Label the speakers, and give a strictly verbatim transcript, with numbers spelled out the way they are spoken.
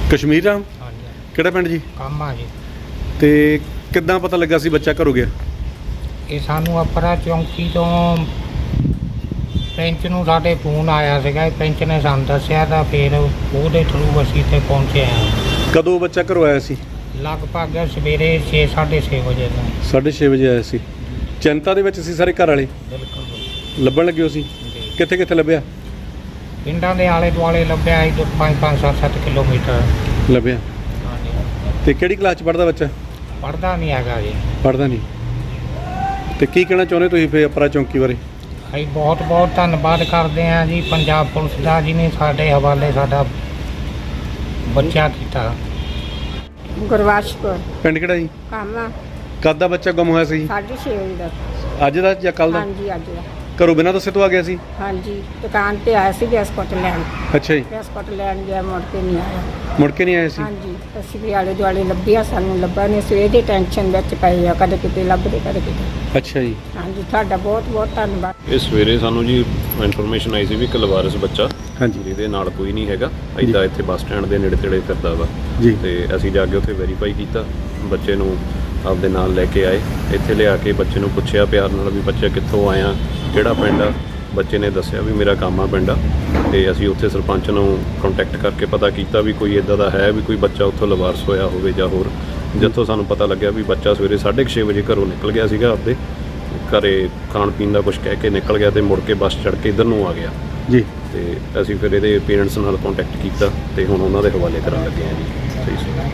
Speaker 1: ਕਸ਼ਮੀਰ ਰਾਮ
Speaker 2: ਹਾਂਜੀ
Speaker 1: ਕਿਹੜਾ ਪਿੰਡ ਜੀ?
Speaker 2: ਕਾਮਾ ਜੀ।
Speaker 1: ਤੇ ਕਿੱਦਾਂ ਪਤਾ ਲੱਗਾ ਸੀ ਬੱਚਾ ਘਰੋਂ ਗਿਆ?
Speaker 2: ਇਹ ਸਾਨੂੰ ਅਪਰਾ ਚੌਂਕੀ ਤੋਂ ਪੈਂਚ ਨੂੰ ਸਾਡੇ ਫੋਨ ਆਇਆ ਸੀਗਾ, ਪੈਂਚ ਨੇ ਸਾਨੂੰ ਦੱਸਿਆ ਤਾਂ ਫਿਰ ਉਹਦੇ ਥਰੂ ਅਸੀਂ ਇੱਥੇ ਪਹੁੰਚੇ ਹਾਂ।
Speaker 1: ਕਦੋਂ ਬੱਚਾ ਘਰੋਂ ਆਇਆ ਸੀ?
Speaker 2: ਲਗਭਗ ਸਵੇਰੇ ਛੇ ਸਾਢੇ ਛੇ ਵਜੇ ਤੋਂ।
Speaker 1: ਸਾਢੇ ਛੇ ਵਜੇ ਆਇਆ ਸੀ। ਚਿੰਤਾ ਦੇ ਵਿੱਚ ਸੀ ਸਾਰੇ ਘਰ ਵਾਲੇ?
Speaker 2: ਬਿਲਕੁਲ
Speaker 1: ਲੱਭਣ ਲੱਗੇ ਹੋ ਸੀ?
Speaker 2: ਜੀ।
Speaker 1: ਕਿੱਥੇ ਕਿੱਥੇ ਲੱਭਿਆ?
Speaker 2: ਪਿੰਡਾਂ ਦੇ ਆਲੇ ਦੁਆਲੇ ਲੱਭਿਆ ਸੀ, ਪੰਜ ਪੰਜ ਸੱਤ ਸੱਤ ਕਿਲੋਮੀਟਰ।
Speaker 1: ਲੱਭਿਆ।
Speaker 2: ਹਾਂਜੀ।
Speaker 1: ਤੇ ਕਿਹੜੀ ਕਲਾਸ 'ਚ ਪੜ੍ਹਦਾ ਬੱਚਾ?
Speaker 2: ਪੜ੍ਹਦਾ ਨਹੀਂ ਹੈਗਾ ਜੀ।
Speaker 1: ਪੜ੍ਹਦਾ ਨਹੀਂ। ਤੇ ਕੀ ਕਹਿਣਾ ਚਾਹੁੰਦੇ ਤੁਸੀਂ ਫਿਰ ਅਪਰਾ ਚੌਂਕੀ ਬਾਰੇ?
Speaker 2: ਅਸੀਂ ਬਹੁਤ ਬਹੁਤ ਧੰਨਵਾਦ ਕਰਦੇ ਹਾਂ ਜੀ ਪੰਜਾਬ ਪੁਲਿਸ ਦਾ, ਜਿਹਨੇ ਸਾਡੇ ਹਵਾਲੇ ਸਾਡਾ ਬੱਚਾ ਕੀਤਾ।
Speaker 3: ਗੁਰਵਾਸ਼ ਕੌਰ
Speaker 1: ਪਿੰਡ ਕਿਹੜਾ ਜੀ?
Speaker 3: ਕਾਮਾ।
Speaker 1: ਕਦ ਦਾ ਬੱਚਾ ਗੁੰਮ ਹੋਇਆ ਸੀ?
Speaker 3: ਸਾਢੇ ਛੇ ਵਜੇ ਦਾ।
Speaker 1: ਅੱਜ ਦਾ ਜਾਂ ਕੱਲ ਦਾ?
Speaker 3: ਹਾਂਜੀ ਅੱਜ ਦਾ।
Speaker 1: ਘਰੋਂ ਬਿਨਾਂ ਦੱਸੇ ਤੋਂ ਆ ਗਿਆ ਸੀ?
Speaker 3: ਹਾਂਜੀ ਦੁਕਾਨ ਤੇ ਆਇਆ ਸੀ ਬਿਸਕੁਟ ਲੈਣ।
Speaker 1: ਅੱਛਾ ਜੀ।
Speaker 3: ਬਿਸਕੁਟ ਲੈਣ ਗਿਆ, ਮੁੜ ਕੇ ਨਹੀਂ ਆਇਆ।
Speaker 1: ਮੁੜ ਕੇ ਨਹੀਂ ਆਇਆ ਸੀ?
Speaker 3: ਹਾਂਜੀ ਅਸੀਂ ਵੀ ਆਲੇ ਦੁਆਲੇ ਲੱਭਿਆ, ਸਾਨੂੰ ਲੱਭਾ ਨਹੀਂ। ਸਵੇਰ ਦੀ ਟੈਨਸ਼ਨ ਵਿੱਚ ਪਏ ਆ, ਕਦੇ ਕਿਤੇ ਲੱਭਦੇ ਕਦੇ ਕਿਤੇ।
Speaker 1: ਅੱਛਾ ਜੀ।
Speaker 3: ਹਾਂਜੀ ਤੁਹਾਡਾ ਬਹੁਤ ਬਹੁਤ ਧੰਨਵਾਦ।
Speaker 4: ਇਹ ਸਵੇਰੇ ਸਾਨੂੰ ਜੀ ਇਨਫੋਰਮੇਸ਼ਨ ਆਈ ਸੀ ਵੀ ਇੱਕ ਲਵਾਰਸ ਬੱਚਾ
Speaker 1: ਹਾਂਜੀ।
Speaker 4: ਜਿਹਦੇ ਨਾਲ ਕੋਈ ਨਹੀਂ ਹੈਗਾ, ਇੱਦਾਂ ਇੱਥੇ ਬੱਸ ਸਟੈਂਡ ਦੇ ਨੇੜੇ ਤੇੜੇ ਫਿਰਦਾ ਵਾ
Speaker 1: ਜੀ।
Speaker 4: ਤੇ ਅਸੀਂ ਜਾ ਕੇ ਉੱਥੇ ਵੈਰੀਫਾਈ ਕੀਤਾ, ਬੱਚੇ ਨੂੰ ਆਪਦੇ ਨਾਲ ਲੈ ਕੇ ਆਏ। ਇੱਥੇ ਲਿਆ ਕੇ ਬੱਚੇ ਨੂੰ ਪੁੱਛਿਆ ਪਿਆਰ ਨਾਲ ਵੀ ਬੱਚਾ ਕਿੱਥੋਂ ਆਇਆ, ਕਿਹੜਾ ਪਿੰਡ ਆ। ਬੱਚੇ ਨੇ ਦੱਸਿਆ ਵੀ ਮੇਰਾ ਕਾਮਾ ਪਿੰਡ ਆ। ਤੇ ਅਸੀਂ ਉੱਥੇ ਸਰਪੰਚ ਨੂੰ ਕੰਟੈਕਟ ਕਰਕੇ ਪਤਾ ਕੀਤਾ ਵੀ ਕੋਈ ਇੱਦਾਂ ਦਾ ਹੈ ਵੀ ਕੋਈ ਬੱਚਾ ਉੱਥੋਂ ਲਵਾਰਸ ਹੋਇਆ ਹੋਵੇ ਜਾਂ ਹੋਰ। ਜਿੱਥੋਂ ਸਾਨੂੰ ਪਤਾ ਲੱਗਿਆ ਵੀ ਬੱਚਾ ਸਵੇਰੇ ਸਾਢੇ ਕੁ ਛੇ ਵਜੇ ਘਰੋਂ ਨਿਕਲ ਗਿਆ ਸੀਗਾ, ਆਪਦੇ ਘਰੇ ਖਾਣ ਪੀਣ ਦਾ ਕੁਝ ਕਹਿ ਕੇ ਨਿਕਲ ਗਿਆ ਤੇ ਮੁੜ ਕੇ ਬੱਸ ਚੜ੍ਹ ਕੇ ਇੱਧਰ ਨੂੰ ਆ ਗਿਆ
Speaker 1: ਜੀ।
Speaker 4: ਤੇ ਅਸੀਂ ਫਿਰ ਇਹਦੇ ਪੇਰੈਂਟਸ ਨਾਲ ਕੰਟੈਕਟ ਕੀਤਾ ਤੇ ਹੁਣ ਉਹਨਾਂ ਦੇ ਹਵਾਲੇ ਕਰਨ ਲੱਗੇ ਹਾਂ ਜੀ। ਸਹੀ ਸਹੀ।